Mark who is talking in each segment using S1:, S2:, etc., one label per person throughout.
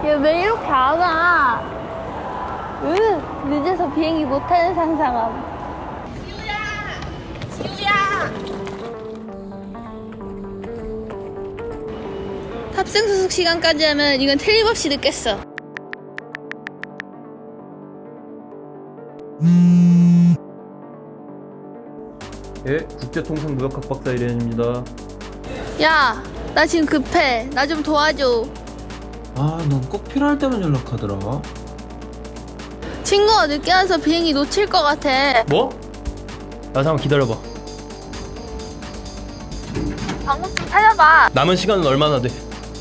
S1: 야, 왜 이렇게 안 와? 늦어서 비행기 못 타는 상상함. 탑승 수속 시간까지 하면 이건 틀림없이 늦겠어.
S2: 예, 국제통상무역학 박사 이래현입니다.
S1: 야, 나 지금 급해. 나 좀 도와줘.
S3: 아, 넌 꼭 필요할 때만 연락하더라.
S1: 친구가 늦게 와서 비행기 놓칠 것 같아.
S2: 뭐? 나 잠깐 기다려봐.
S1: 방법 좀 찾아봐.
S2: 남은 시간은 얼마나 돼?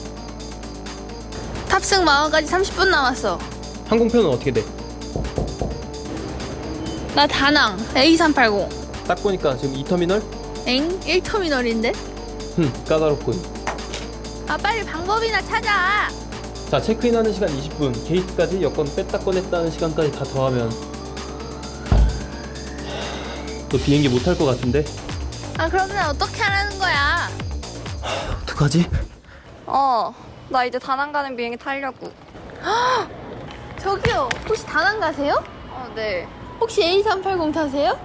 S1: 탑승 마감까지 30분 남았어.
S2: 항공편은 어떻게 돼?
S1: 나 다낭 A380.
S2: 딱 보니까 지금 2터미널?
S1: 엥? 1터미널인데?
S2: 까다롭군.
S1: 아, 빨리 방법이나 찾아.
S2: 자, 체크인하는 시간 20분, 게이트까지 여권 뺐다 꺼냈다 하는 시간까지 다 더하면 너 비행기 못 탈 것 같은데?
S1: 아, 그러면 어떻게 하라는 거야?
S2: 어떡하지?
S4: 나 이제 다낭 가는 비행기 타려고.
S1: 저기요, 혹시 다낭 가세요?
S4: 네.
S1: 혹시 A380 타세요?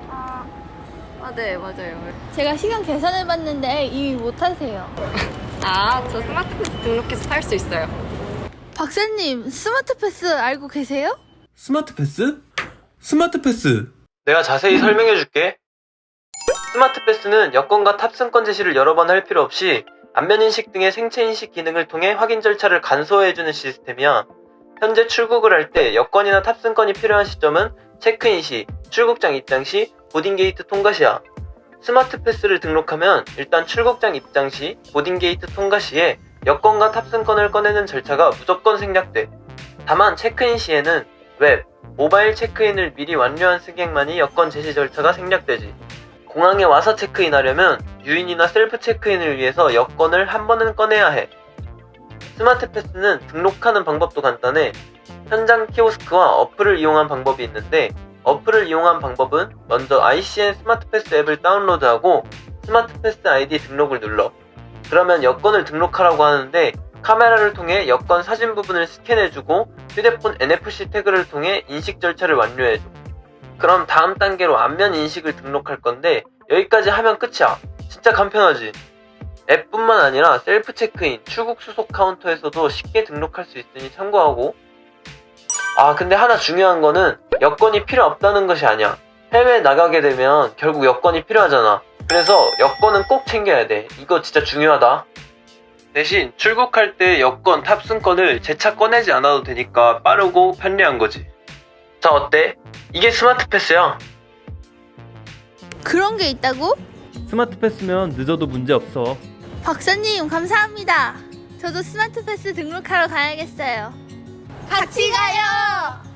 S4: 네, 맞아요.
S1: 제가 시간 계산해봤는데 이미 못 타세요.
S4: 저 스마트 패스 등록해서 탈 수 있어요.
S1: 박사님, 스마트 패스 알고 계세요?
S3: 스마트 패스? 스마트 패스.
S2: 내가 자세히 설명해 줄게. 스마트 패스는 여권과 탑승권 제시를 여러 번 할 필요 없이 안면인식 등의 생체인식 기능을 통해 확인 절차를 간소화해주는 시스템이야. 현재 출국을 할 때 여권이나 탑승권이 필요한 시점은 체크인 시, 출국장 입장 시, 보딩게이트 통과 시야. 스마트 패스를 등록하면 일단 출국장 입장 시, 보딩게이트 통과 시에 여권과 탑승권을 꺼내는 절차가 무조건 생략돼. 다만 체크인 시에는 웹, 모바일 체크인을 미리 완료한 승객만이 여권 제시 절차가 생략되지. 공항에 와서 체크인하려면 유인이나 셀프 체크인을 위해서 여권을 한 번은 꺼내야 해. 스마트 패스는 등록하는 방법도 간단해. 현장 키오스크와 어플을 이용한 방법이 있는데, 어플을 이용한 방법은 먼저 ICN 스마트 패스 앱을 다운로드하고 스마트 패스 아이디 등록을 눌러. 그러면 여권을 등록하라고 하는데, 카메라를 통해 여권 사진 부분을 스캔해주고 휴대폰 NFC 태그를 통해 인식 절차를 완료해줘. 그럼 다음 단계로 안면 인식을 등록할 건데, 여기까지 하면 끝이야. 진짜 간편하지? 앱뿐만 아니라 셀프 체크인, 출국 수속 카운터에서도 쉽게 등록할 수 있으니 참고하고. 근데 하나 중요한 거는 여권이 필요 없다는 것이 아니야. 해외에 나가게 되면 결국 여권이 필요하잖아. 그래서 여권은 꼭 챙겨야 돼. 이거 진짜 중요하다. 대신 출국할 때 여권, 탑승권을 재차 꺼내지 않아도 되니까 빠르고 편리한 거지. 자, 어때? 이게 스마트 패스야.
S1: 그런 게 있다고?
S2: 스마트 패스면 늦어도 문제 없어.
S1: 박사님, 감사합니다. 저도 스마트 패스 등록하러 가야겠어요. 같이 가요!